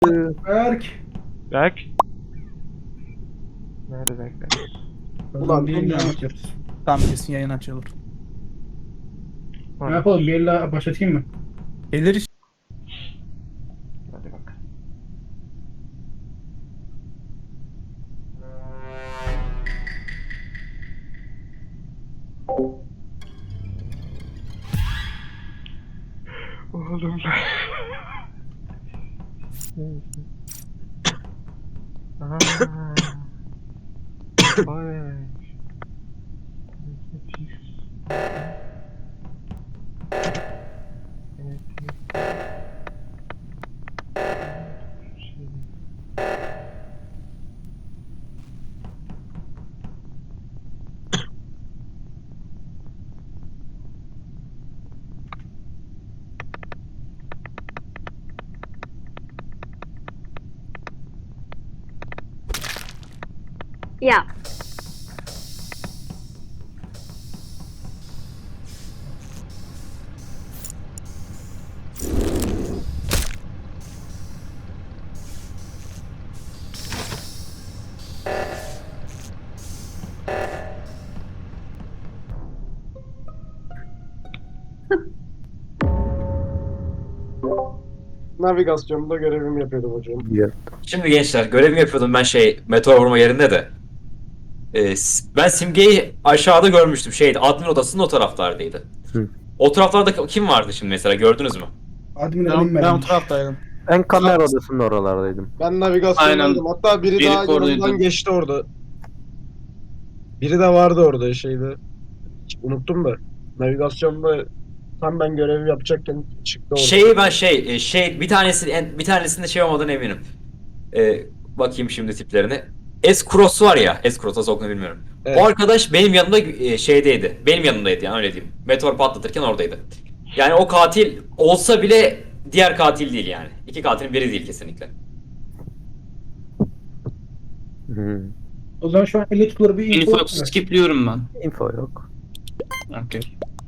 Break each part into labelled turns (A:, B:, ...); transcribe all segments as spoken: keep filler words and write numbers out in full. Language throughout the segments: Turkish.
A: Berk.
B: Berk. Nerede Berk?
A: Ulan bir yayın açıyoruz.
C: Tamam kesin yayın açılır.
A: Ne yapalım? Bir elle başlatayım mı?
C: Gelir işte.
B: Hadi bak. Oğlum ben. Aaa. Vay.
D: Ya.
E: Navigasyonda görevimi yapıyordum hocam.
F: Şimdi gençler görevimi yapıyordum ben şey meteor vurma yerinde de. Ee, s- ben Simge'yi aşağıda görmüştüm şeydi admin odasının o taraflardaydı.
G: Hı.
F: O taraflarda kim vardı şimdi mesela gördünüz mü?
A: Admin
C: Ben,
A: alayım
C: ben o
A: ben.
C: taraftaydım.
G: Ben kamera odasının oralardaydım.
E: Ben navigasyondaydım. Hatta biri,
H: Biri
E: daha
H: oradaydı.
E: yanımdan geçti orada. Biri de vardı orada şeyde. Unuttum da. Navigasyonda tam ben görevi yapacakken çıktı orada.
F: Şeyi ben şey e, şey bir tanesi en- bir tanesinde şey olmadığını eminim. Ee, bakayım şimdi tiplerine. S-Cross var ya, S-Cross nasıl okunuyor bilmiyorum.
E: Evet.
F: O arkadaş benim yanımda e, şeydeydi. Benim yanımdaydı yani öyle diyeyim. Meteor patlatırken oradaydı. Yani o katil olsa bile diğer katil değil yani. İki katilin biri değil kesinlikle.
G: Hı.
A: O zaman şu an elle tutulur bir info.
H: Info skipliyorum ben.
G: Info yok.
H: Okey.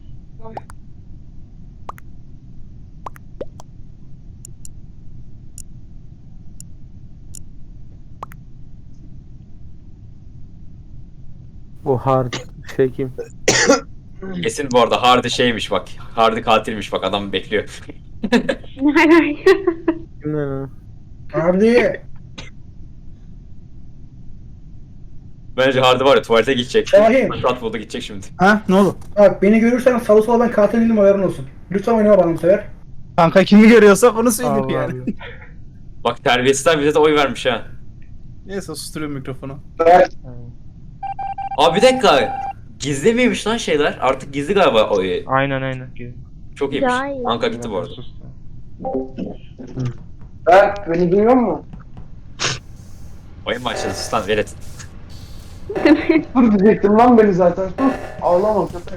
G: Bu hard şey kim?
F: Kesin bu arada Hardy şeymiş bak. Hardy katilmiş bak adam bekliyor.
D: Ne alaka?
G: Kim lan o?
A: Abi.
F: Bence Hardy var ya tuvalete gidecek.
A: Şahin.
F: Fırsat buldu gidecek şimdi.
C: Ha ne oldu?
A: Bak beni görürsen salı sola ben katil değilim haberin olsun. Lütfen oynama bana bu sefer.
C: Kanka kimi görüyorsak onu söyleyeyim
G: Allah
C: yani.
G: Allah.
F: Bak terbiyesizler bize de oy vermiş ha.
C: Neyse susturuyorum mikrofonu.
F: Abi bir dakika. Gizli miymiş lan şeyler? Artık gizli galiba oy.
B: Aynen aynen.
F: Çok iyiymiş.
D: Daha iyi.
F: Anka gitti bu arada.
E: Berk beni duyuyor musun?
F: Oyun başladı sus lan velet.
E: Dur diyecektim lan beni zaten. Dur. Ağlama köpek.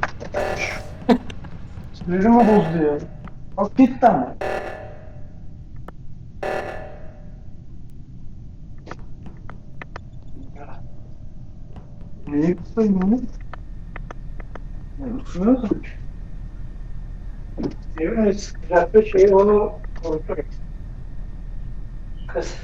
E: Sinirimi bozdu ya. Bak gitti ama. Neyi kutlayayım onu? Ne kutluyorsun? Evet, bir şey onu konuşuyoruz. Kız.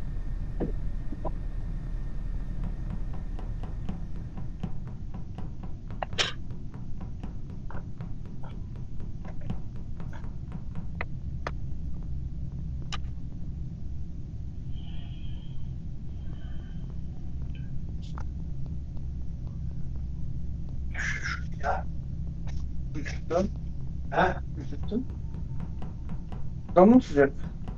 E: Üşüttün. Ha? Üşüttün. Damla sıcak.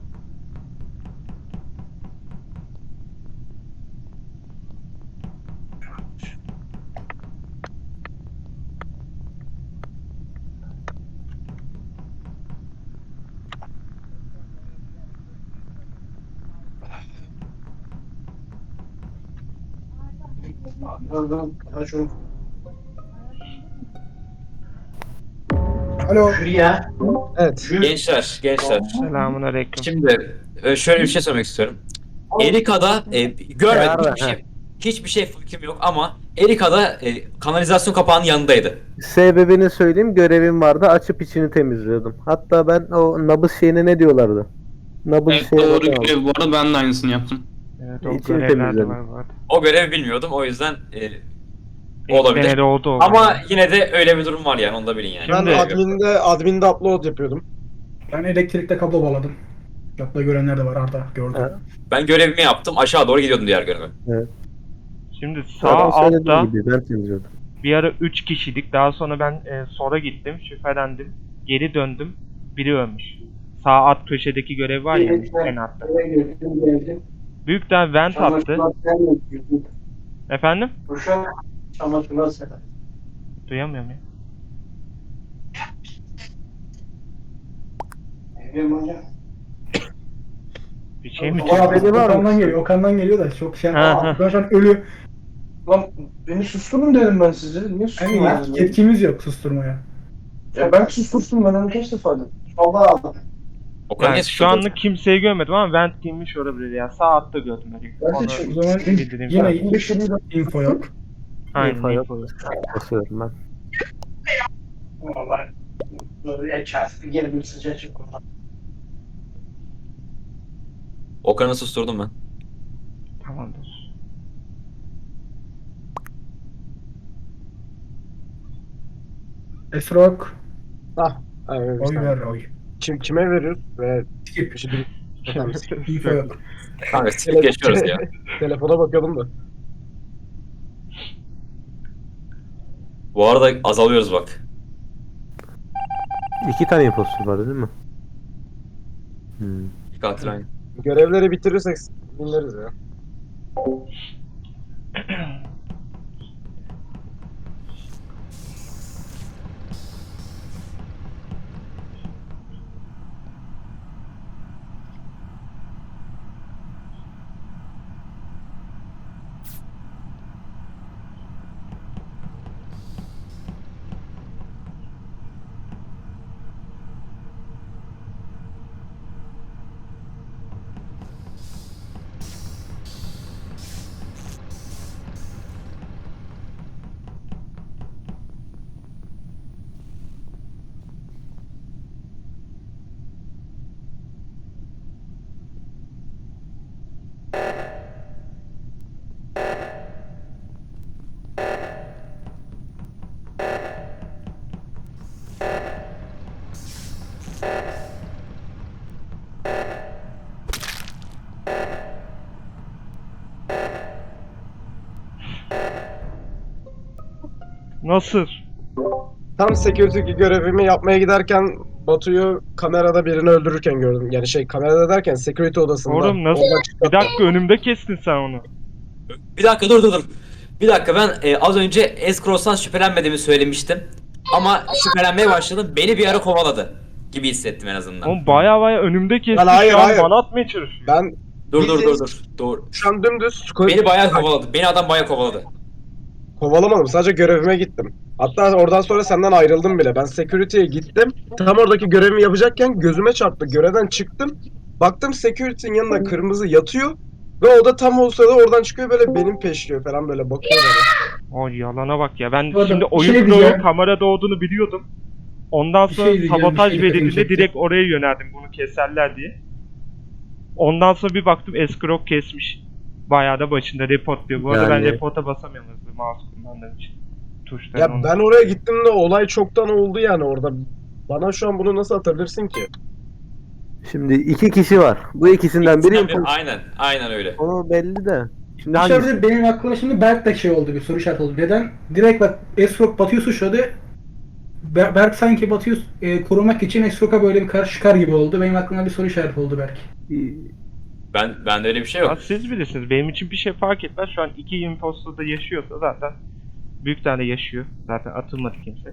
E: Birazdan aç onu.
A: Alo.
E: Ya. Evet.
F: Gençler, gençler.
B: Selamun aleyküm.
F: Şimdi e, şöyle bir şey söylemek istiyorum. Erika'da e, görmedim
G: Nerede?
F: hiçbir şey. Hiçbir şey fikrim yok ama Erika'da e, kanalizasyon kapağının yanındaydı.
G: Sebebini söyleyeyim, görevim vardı, açıp içini temizliyordum. Hatta ben o nabız şeyine ne diyorlardı? Nabız
H: Evet,
G: şey
H: doğru
G: var.
H: görev bu arada ben de aynısını yaptım.
B: Evet o
G: İçini
B: görevler de
G: temizledim.
B: var vardı.
F: O görevi bilmiyordum o yüzden e,
B: İlk
F: olabilir.
B: denede oldu o.
F: Ama
B: zaman.
F: yine de öyle bir durum var yani onu da bilin yani.
E: Ben
B: Şimdi-
E: adminde, adminde upload yapıyordum.
A: Ben elektrikte kablo bağladım. Yaptığı görenler de var Arda gördüm.
G: Evet.
F: Ben görevimi yaptım aşağı doğru gidiyordum diğer göreve.
B: Şimdi sağ
G: Sağ
B: altta
G: altta gibi ben temizliyordum.
B: bir ara üç kişilik. Daha sonra ben e, sonra gittim, şüphelendim. Geri döndüm. Biri ölmüş. Sağ alt köşedeki görev var ya en altta. Büyükten vent attı. Efendim? Duyamıyorum ya. Bir şey mi
A: O
B: çıktı?
A: abi Okan'dan geliyor. Okan'dan geliyor da çok şey.
B: Ha,
A: Aa,
B: ha.
A: ben şu an ölü.
I: Lan beni susturun dedim ben size. Niye
A: Yani
I: susturmadınız? beni?
A: yetkimiz yok susturmaya.
I: Ya ben sustursun ben onu kaç defa dedim. Allah
F: O kadar
B: Yani
F: niye
B: şu
F: suçladın?
B: anlık kimseyi görmedim ama vent giymiş olabilir ya. Sağ altta gördüm öyle.
I: Ben de
B: Onu
I: çok-
A: O zaman
B: bildireyim
A: yine
B: sana.
I: bir şey değil.
A: info yok.
B: Aynen.
G: İnfo yok.
B: info.
G: Basıyorum ben.
I: Vallahi böyle çarptı geri bir sıcacık oldu.
F: Okan'ı susturdum ben.
B: Tamamdır.
A: Esrok.
E: Ah. Evet,
A: Oy ver oy.
E: Kim, kime veriyoruz? Ve
A: Skip.
E: bir şey bil-
A: Info yok.
F: Kanka silip geçiyoruz ya.
E: Telefona bakıyordum da.
F: Bu arada azalıyoruz bak.
G: İki tane impostor var değil mi? Hmm.
F: İki katil aynı.
E: Görevleri bitirirsek dinleriz ya.
B: Nasıl?
E: Tam security görevimi yapmaya giderken Batu'yu kamerada birini öldürürken gördüm. Yani şey kamerada derken security odasında.
B: Oğlum nasıl?
E: Oradan çıktı.
B: Bir dakika önümde kestin sen onu.
F: Bir dakika dur dur dur. Bir dakika ben e, az önce Escrows'tan şüphelenmediğimi söylemiştim. Ama şüphelenmeye başladım. Beni bir ara kovaladı gibi hissettim en azından.
B: Oğlum baya baya önümde kestin.
E: Lan hayır,
B: Şu an
E: hayır.
B: bana atmaya çalışıyor.
E: Ben
F: Dur dur dur
E: bildiğin-
F: dur. Dur.
E: şu an dümdüz
F: Beni bayağı kovaladı. Beni adam bayağı kovaladı.
E: kovalamadım. Sadece görevime gittim. Hatta oradan sonra senden ayrıldım bile. Ben security'ye gittim. Tam oradaki görevimi yapacakken gözüme çarptı. Görevden çıktım. Baktım security'nin yanında kırmızı yatıyor. Ve o da tam o sırada oradan çıkıyor böyle benim peşliyor falan böyle bakıyor bana.
B: Ay yalana bak ya. Ben
A: Bu arada
B: şimdi
A: bir
B: oyun
A: şey
B: kurulu
A: diyeceğim.
B: kamerada olduğunu biliyordum. Ondan
A: Bir
B: sonra
A: şey diyeceğim,
B: sabotaj
A: bir şey dikkatimi
B: verildiğinde
A: çekti.
B: direkt oraya yöneldim bunu keserler diye. Ondan sonra bir baktım Escrow kesmiş. Bayağı da başında report diyor. Bu arada ben
G: Yani-
B: reporta basamıyorum hızlı mouse kullandığım için. Tuşları
E: Ya ben oraya gittim de olay çoktan oldu yani orada. Bana şu an bunu nasıl atabilirsin ki?
G: Şimdi iki kişi var. Bu ikisinden biri
F: İkisinden biri-
G: impostor.
F: Aynen. Aynen öyle.
G: Onu belli de. Şimdi hangisi?
A: Dışarıda benim aklıma şimdi Berk de şey oldu bir soru işareti oldu. Neden? Direkt bak Esrok Batu'yu suçladı. Ber- Berk sanki Batu'yu e, korumak için Esrok'a böyle bir karşı çıkar gibi oldu. Benim aklıma bir soru işareti oldu Berk.
F: Ben bende öyle bir şey
B: Ya
F: yok.
B: siz bilirsiniz. Benim için bir şey fark etmez. Şu an iki impostor da yaşıyorsa zaten büyük tane yaşıyor. Zaten atılmadı kimse.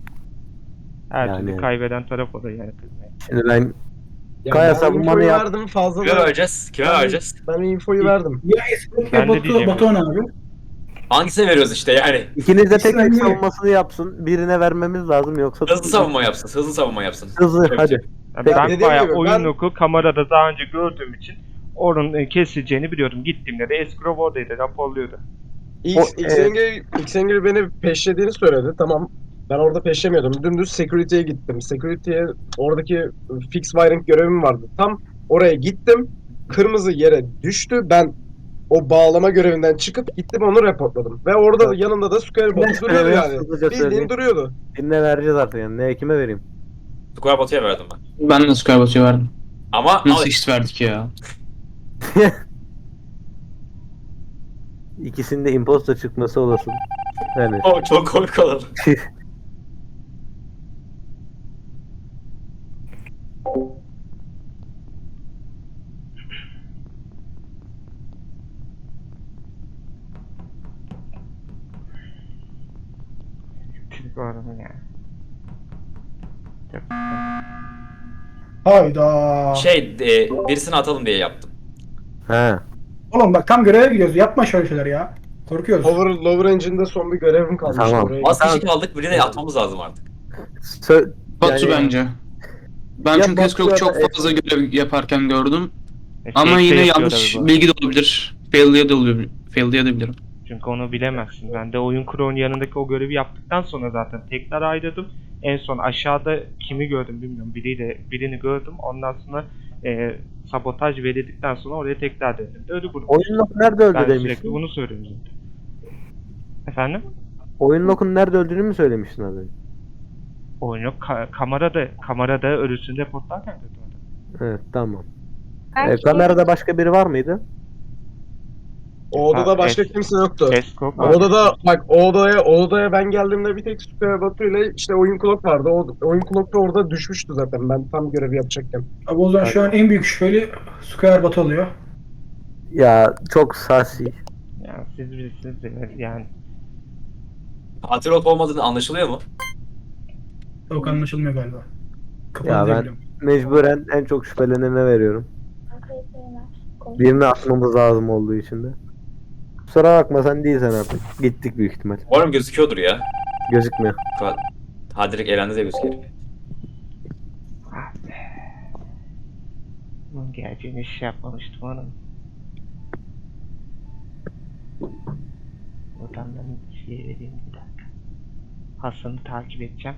B: Her
G: Yani-
B: türlü kaybeden taraf o da yani kızmayın.
G: Şimdi ben
E: Ya
G: Kaya
E: ben
G: savunmanı
E: infoyu
G: yap.
E: verdim fazla
F: Kime
E: da.
F: vereceğiz? Kime
E: Ben-
F: vereceğiz?
E: Ben infoyu verdim.
A: Ya Esrok
B: Ben
A: ya
B: de
A: Batu,
B: diyeceğim.
A: Batuhan abi.
F: Hangisine veriyoruz işte yani?
G: ikiniz de tek
A: İkisinden
G: tek
A: biri.
G: savunmasını yapsın. Birine vermemiz lazım yoksa
F: Hızlı savunma yapsın. Hızlı savunma yapsın.
G: Hızlı
F: Evet.
G: hadi.
B: Yani
E: Ya
B: ben
E: dediğim
B: bayağı
E: gibi
B: oyun
E: ben-
B: oku kamerada daha önce gördüğüm için onun e, kesileceğini biliyordum. Gittiğimde de Escrow oradaydı, raporluyordu.
E: X,
G: O-
E: Xengil, Xengil beni peşlediğini söyledi. Tamam. Ben orada peşlemiyordum. Dümdüz security'ye gittim. Security'ye oradaki fix wiring görevim vardı. Tam Oraya gittim. Kırmızı yere düştü. Ben o bağlama görevinden çıkıp gittim onu reportladım. Ve orada
G: Evet.
E: yanında da Square
G: Kimden
E: Bot duruyordu
G: şüpheleniyorsun?
E: yani.
G: Hızlıca
E: Bildiğin
G: söyleyeyim.
E: duruyordu.
G: Birine vereceğiz artık yani. Ne kime vereyim?
F: Square Bot'a verdim ben.
H: Ben de Square Bot'a verdim.
F: Ama
H: Nasıl
F: al,
H: eşit verdik ya?
G: İkisinde imposter çıkması olasın. Yani
F: o çok komik olur.
B: Çünkü oranın yani. Çok
A: Hayda.
F: Şey e, birisini atalım diye yaptım.
G: He.
A: Oğlum bak tam göreve gidiyoruz. Yapma şöyle şeyler ya. Korkuyoruz.
E: Lower, Lower Engine'de son bir görevim kalmıştı.
G: Tamam.
E: Oraya
F: Az
G: Tamam.
F: kişi kaldık birini atmamız lazım artık.
G: Sö-
H: Batu
G: yani-
H: bence. Ben
G: Ya
H: çünkü
G: Batu
H: Escrow
G: ya
H: çok
G: da-
H: fazla görev yaparken gördüm.
B: E,
H: Ama
B: fake de
H: yine
B: yapıyor
H: yanlış
B: tabii bu.
H: bilgi de olabilir. Fail'de de olabilir. Fail'de de bilirim.
B: Çünkü onu bilemezsin. Ben de oyun kurunun yanındaki o görevi yaptıktan sonra zaten tekrar ayrıldım. En son aşağıda kimi gördüm bilmiyorum. Biriyle, birini gördüm. Ondan sonra e, sabotaj verildikten sonra oraya tekrar döndüm. Öyle bunu.
G: Oyun loku nerede öldü
B: Ben sürekli
G: demiştin?
B: bunu söylüyorum zaten. Efendim?
G: Oyun lokun nerede öldüğünü mü söylemiştin az önce?
B: Oyun yok. Ka- kamerada, kamerada ölüsünü reportlarken gördüm adam.
G: Evet tamam.
D: Her
G: Ee,
D: şey-
G: kamerada başka biri var mıydı?
E: O odada
B: Ha,
E: başka
B: es-
E: kimse yoktu.
B: Escort
E: O
B: var.
E: odada bak o odaya o odaya ben geldiğimde bir tek Square Bot ile işte oyun clock vardı. O oyun clock da orada düşmüştü zaten ben tam görevi yapacakken.
A: Abi o zaman şu an en büyük şüpheli Square Bot oluyor.
G: Ya çok sasi.
B: Yani siz bilirsiniz de yani.
E: şey
F: Katil olup olmadığını anlaşılıyor mu?
A: Yok anlaşılmıyor galiba. Kapalı
G: Ya
A: diye
G: ben
A: biliyorum.
G: mecburen en çok şüphelenene veriyorum. Birini atmamız lazım olduğu için de. Kusura bakma sen değilsen artık. Gittik büyük ihtimal.
F: Umarım gözüküyordur ya.
G: Gözükmüyor.
F: Ka- Ha direkt elendi de gözüküyor.
B: Ah be. Bunun geleceğini hiç şey yapmamıştım onun. Buradan ben şey vereyim bir dakika. Hasan'ı takip edeceğim.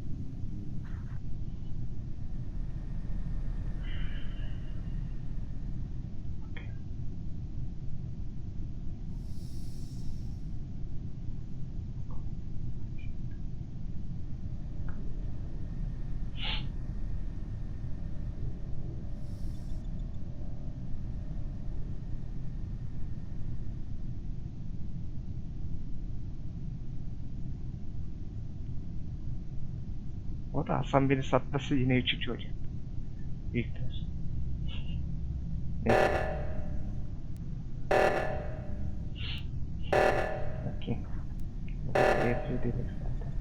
B: O da Hasan beni satması yine üçüncü olacak. Büyük ihtimal. Neyse. Bakayım. Bu da yapıyor dedik zaten.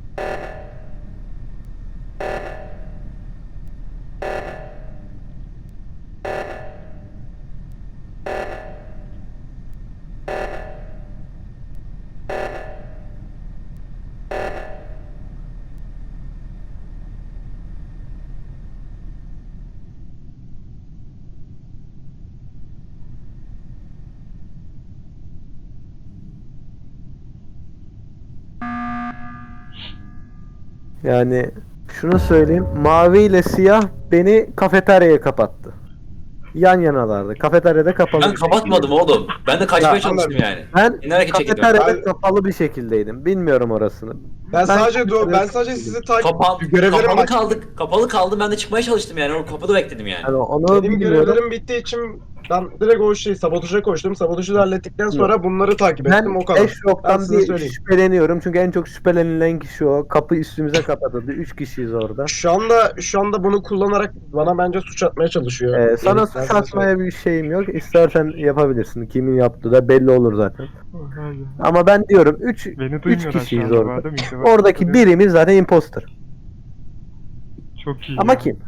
G: Yani şunu söyleyeyim. Mavi ile siyah beni kafeteryaya kapattı. Yan yanalardı. Kafeteryada kapalı.
F: Ben
G: bir
F: kapatmadım
G: şekilde.
F: oğlum. Ben de kaçmaya
G: Ya,
F: çalıştım yani.
G: Ben
F: Yine hareket çekildim.
G: kafeteryada
E: Ben-
G: kapalı bir şekildeydim. Bilmiyorum orasını.
E: Ben, sadece
G: kafeteryada
E: ben sadece sizi takip
F: Kapa
E: görevlerim
F: kapalı
E: bak-
F: kaldık. Kapalı kaldım ben de çıkmaya çalıştım yani. O kapıda bekledim yani.
G: Yani onu
E: Benim
G: bilmiyorum.
E: görevlerim bittiği için ben direkt o şey sabotaja koştum. Sabotajı da hallettikten sonra bunları takip ettim
G: Ben
E: o kadar. Ben
G: Eşrok'tan
E: size
G: bir
E: söyleyeyim.
G: şüpheleniyorum çünkü en çok şüphelenilen kişi o. Kapı üstümüze kapatıldı. Üç kişiyiz orada.
E: Şu anda şu anda bunu kullanarak bana bence suç atmaya çalışıyor.
G: Ee, sana
E: Yani
G: suç
E: ben size söyleyeyim.
G: atmaya bir şeyim yok. İstersen yapabilirsin. Kimin yaptığı da belli olur zaten. Ama ben diyorum üç
B: Beni
G: üç
B: duymuyorlar şu
G: kişiyiz
B: anda bu
G: orada.
B: arada, mikrofon
G: Oradaki
B: kapalı.
G: birimiz zaten imposter.
B: Çok iyi
G: Ama
B: ya.
G: kim?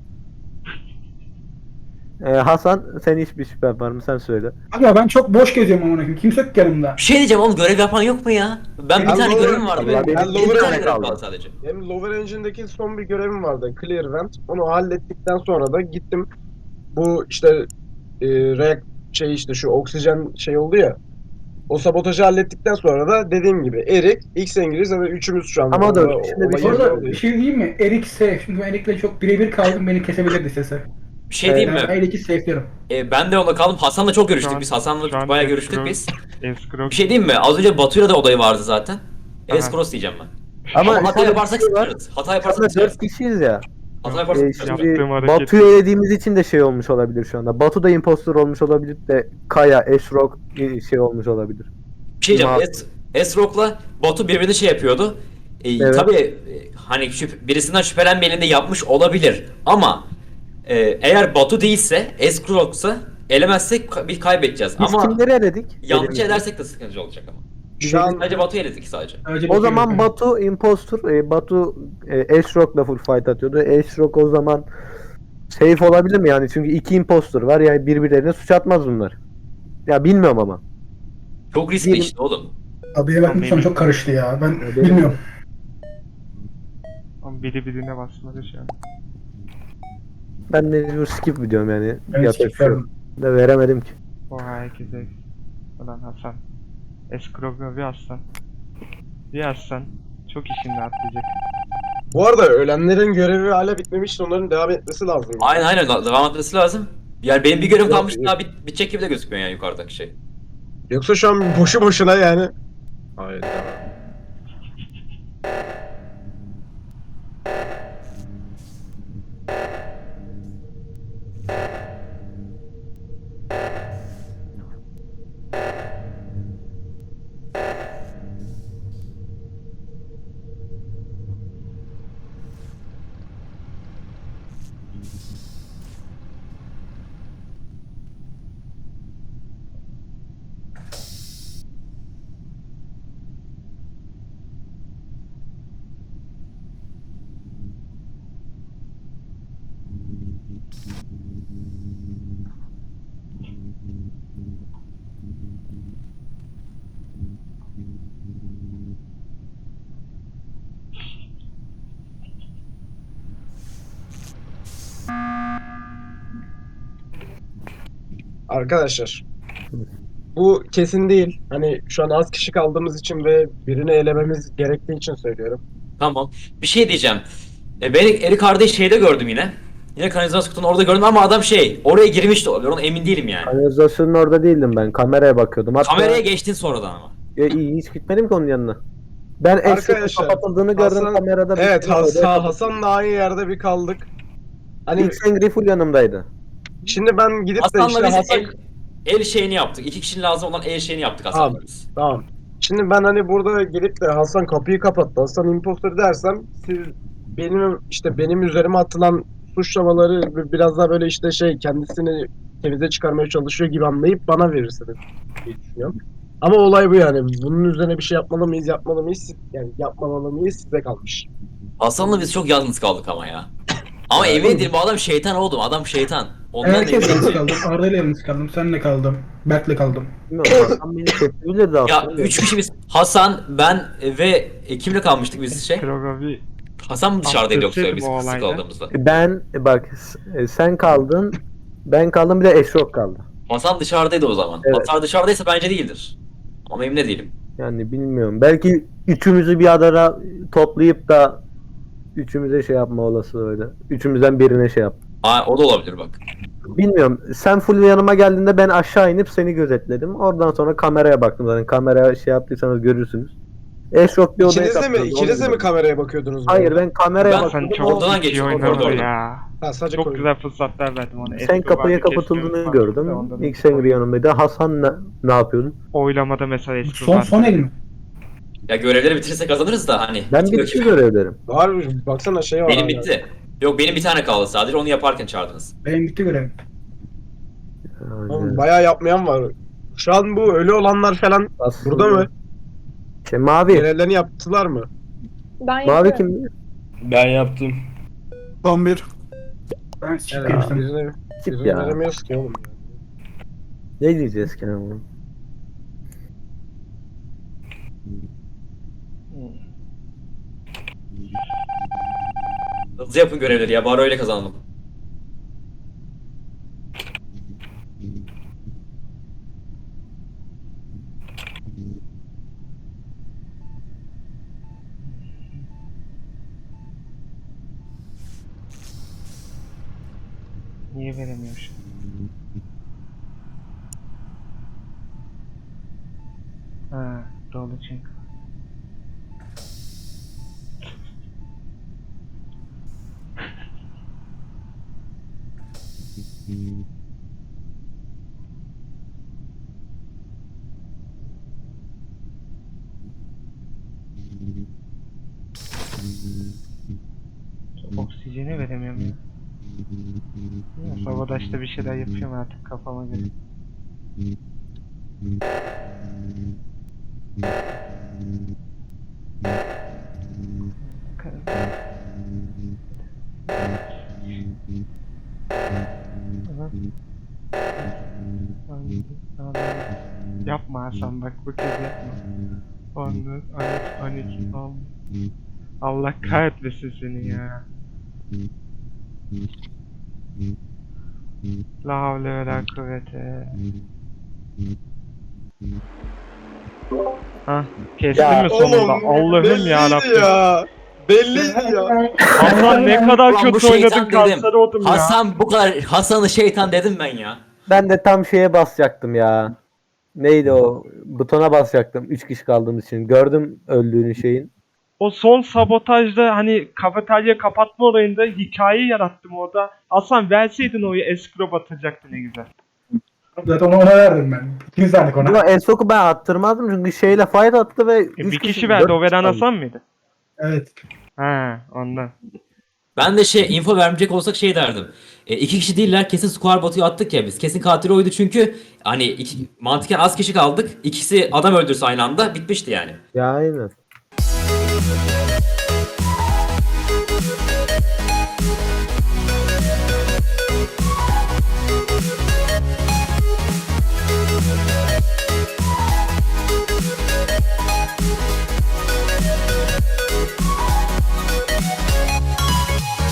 G: Ee, Hasan sen hiçbir şüphen var mı? Sen söyle.
A: Aga ben çok boş geziyorum amına koyayım. Kimse yok yanımda.
F: Bir şey diyeceğim oğlum görev yapan yok mu ya? Ben bir
E: Ben
F: tane
E: lower-
F: görevim vardı.
G: Allah,
F: Benim,
G: ben
F: benim
E: lower
F: bir tane
E: engine'de
F: görevim
G: kaldım.
F: kaldı sadece.
E: Benim Lower Engine'deki son bir görevim vardı. Clear Vent. Onu hallettikten sonra da gittim. Bu işte e, reak şey işte şu oksijen şey oldu ya. O sabotajı hallettikten sonra da dediğim gibi Erik, X İngiliz ve üçümüz şu anda.
G: Ama dur,
E: orada
G: şimdi bir
E: olay
G: şey
A: Bu
E: yerinde
A: arada
E: oluyor.
A: bir şey diyeyim mi? Erik safe. Çünkü ben Erik'le çok birebir kaldım. Beni kesebilirdi sese.
F: Bir Bir şey diyeyim
A: Ben
F: mi?
A: L iki safe'lerim.
F: E, ben de onunla kaldım. Hasan'la çok görüştük
B: Şu an-
F: biz. Hasan'la
B: şu an
F: bayağı
B: escrow-
F: görüştük biz.
B: Escrow
F: Bir şey diyeyim mi? Az önce Batu'yla da olayı vardı zaten.
B: Aha.
F: Escrow diyeceğim ben.
G: Ama,
F: Ama hata
G: şöyle bir
F: yaparsak
G: şey var.
F: sıçarız. Hata
G: Şu
F: yaparsak
G: anda
F: sıçarız.
G: dört kişiyiz ya.
F: Hata
G: Ee,
F: yaparsak sıçarız.
G: şimdi
B: Yaptığım hareket-
G: Batu'yu elediğimiz için de şey olmuş olabilir şu anda. Batu da impostor olmuş olabilir de Kaya, Esrok şey olmuş olabilir.
F: Bir şey diyeceğim.
G: Ma-
F: Es, Esrok'la Batu birbirine şey yapıyordu. E,
G: Evet.
F: Tabii e, hani şüp- birisinden şüphelenmeyenin de yapmış olabilir. Ama e, eğer Batu değilse, Esrok'sa elemezsek ka- bir kaybedeceğiz.
G: Biz
F: Ama
G: kimleri eledik?
F: yanlış
G: Elimizde.
F: edersek de sıkıntı olacak ama.
E: Şu an
F: Sadece Batu'yu eledik sadece.
A: Sadece
G: O
A: bir
G: zaman
A: şey yok.
G: Batu impostor, e, Batu e, Esrok'la full fight atıyordu. Esrok o zaman safe olabilir mi yani? Çünkü iki impostor var yani birbirlerine suç atmaz bunlar. Ya bilmiyorum ama.
F: Çok riskli
G: Benim-
F: işte oğlum.
A: Abiye baktım sonra çok karıştı ya. Ben bilmiyorum.
B: Ama biri birine basmadı şu an.
G: Ben mecbur skip diyorum yani.
A: Ben
G: Yapacak
A: skip
G: bir şey yok.
A: verdim.
G: De veremedim ki.
B: Oha herkese. Ulan Hasan. Escrow bir Hasan. Bir Hasan. Çok işini atlayacak.
E: bu arada ölenlerin görevi hala bitmemişti. Onların devam etmesi lazım.
F: Aynen aynen devam etmesi lazım. Yani benim bir görevim
E: Yok,
F: kalmış
E: yok.
F: daha bit bitecek gibi de gözükmüyor yani yukarıdaki şey.
E: Yoksa şu an boşu boşuna yani. Hayda. Arkadaşlar. Bu kesin değil. Hani şu an az kişi kaldığımız için ve birini elememiz gerektiği için söylüyorum.
F: Tamam. Bir şey diyeceğim. E, ben Eri kardeş şeyde gördüm yine. Yine kanalizasyon kutunun orada gördüm ama adam şey oraya girmiş de olabilir. Ona emin değilim yani.
G: Kanalizasyonun orada değildim ben. Kameraya bakıyordum. Hatta
F: Kameraya geçtin sonradan ama.
G: Ya, iyi, hiç gitmedim ki onun yanına. Ben Esrok'un
E: Arkadaşlar,
G: kapatıldığını gördüm
E: Hasan-
G: kamerada.
E: Evet
G: bir-
E: Hasan, Hasan'la aynı yerde bir kaldık. Hani
G: İlk Sengri full yanımdaydı.
E: şimdi ben gidip de
F: Hasan'la
E: işte
F: biz
E: Hasan...
F: el, el şeyini yaptık. İki kişinin lazım olan el şeyini yaptık Hasan'la
E: Tamam.
F: biz.
E: Tamam. Şimdi ben hani burada gelip de Hasan kapıyı kapattı, Hasan impostor dersem siz benim işte benim üzerime atılan suçlamaları bi- biraz daha böyle işte şey kendisini temize çıkarmaya çalışıyor gibi anlayıp bana verirsiniz diye düşünüyorum. Ama olay bu yani. Bunun üzerine bir şey yapmalı mıyız, yapmalı mıyız? Yani yapmamalı mıyız size kalmış.
F: Hasan'la biz çok yalnız kaldık ama ya. Ama emin değilim bu adam şeytan oğlum. Adam şeytan. Ondan
A: Herkes
F: eminim.
A: yalnız kaldım. Arda'yla yalnız kaldım. Senle kaldım. Berk'le kaldım.
G: Bilmiyorum. Hasan beni kesebilirdi
F: Ya
G: aslında.
F: üç kişi biz. Hasan, ben ve e, kimle kalmıştık biz şey?
B: Escrow bir
F: Hasan mı dışarıdaydı yoksa
B: Affetseydim
F: biz
B: o
F: kısık
B: olayda.
F: kaldığımızda?
G: Ben bak s- sen kaldın. Ben kaldım bir de Esrok kaldı.
F: Hasan dışarıdaydı o zaman.
G: Evet.
F: Hasan dışarıdaysa bence değildir. Ama emin de değilim.
G: Yani bilmiyorum. Belki üçümüzü bir adara toplayıp da üçümüze şey yapma olasılığı öyle. Üçümüzden birine şey yap.
F: Aa, o da olabilir bak.
G: Bilmiyorum. Sen full yanıma geldiğinde ben aşağı inip seni gözetledim. Oradan sonra kameraya baktım zaten. Kameraya şey yaptıysanız görürsünüz. Esrok bir odaya
E: İkiniz de mi,
G: kapatıldı,
E: ikiniz de
G: onu
E: mi
G: gördüm.
E: kameraya bakıyordunuz?
G: Hayır
E: böyle?
G: ben kameraya
F: Ben-
G: baktım.
B: sen çok
F: oradan
B: iyi
F: geçtim,
B: oynadı
F: koridordan.
B: ya.
E: Ha, sadece
B: Çok
E: koy-
B: güzel fırsatlar verdim ona.
G: Sen
B: Escrow
G: kapıya
B: vardı, keşke
G: kapatıldığını
B: unutmazdım
G: gördüm.
B: da ondan
G: İlk
B: sonra
G: Sengri yanımdaydı. Hasan ne, ne yapıyordun?
B: Oylamada mesela Escrow
A: Son
B: vardı.
A: son el mi?
F: Ya görevleri bitirirsek kazanırız da hani.
G: Ben
F: Bitmiyor
G: bitti
F: ki.
G: görevlerim.
E: Var baksana şey var.
F: Benim
E: hala.
F: bitti. Yok benim bir tane kaldı sadece onu yaparken çağırdınız.
A: Benim bitti görevim.
E: Oğlum,
G: Aynen.
E: bayağı yapmayan var. Şu an bu ölü olanlar falan
G: Aslında-
E: burada mı?
G: Şey, mavi.
E: Görevlerini yaptılar mı?
D: Ben
G: Mavi
D: yapıyorum.
G: kim?
C: Ben yaptım. Son bir.
A: Ben siktir
E: Evet,
A: gittim.
E: birini,
G: Tip
E: birini
G: ya.
E: veremiyoruz ki oğlum.
G: Ne diyeceğiz ki ama?
F: Hızlı yapın görevleri ya bari öyle kazanalım.
B: Niye Niye veremiyor şu an? Ha, doğru çünkü. Oksijeni veremiyorum ya. Ya Sabotage'da bir şeyler yapıyorum artık kafama göre. Yapma Hasan bak bu kez yapma. on dört, on üç, on iki, on. Allah kahretmesin seni ya. La havle ve la kuvvete. Hah, kestin
G: Ya
B: mi sonunda? Allah'ım
E: belliydi
B: yarabbim.
E: ya. Belliydi ya.
B: Hasan ne kadar
F: Ulan bu
B: kötü
F: şeytan
B: oynadın,
F: dedim.
B: kanser oldum ya.
F: Hasan bu kadar Hasan'ı şeytan dedim ben ya.
G: Ben de tam şeye basacaktım ya. Neydi o? Butona basacaktım. Üç kişi kaldığımız için. Gördüm öldüğünü şeyin.
B: O son sabotajda hani kafeterya kapatma olayında hikaye yarattım orada. Hasan verseydin oyu escrow atacaktı ne güzel.
A: Zaten ona, ona verdim ben. İkiniz verdik ona.
G: Ama Esok'u ben attırmazdım çünkü şeyle fight attı ve
B: E,
G: üç
B: bir kişi verdi,
G: dört
B: o veren
G: kaldı.
B: Hasan mıydı?
A: Evet.
B: Ha, ondan.
F: Ben de şey info vermeyecek olsak şey derdim. E, iki kişi değiller, kesin Square Batu'yu attık ya biz. Kesin katil oydu çünkü hani iki, mantıken az kişi kaldık. İkisi adam öldürse aynı anda bitmişti yani.
G: Ya aynen.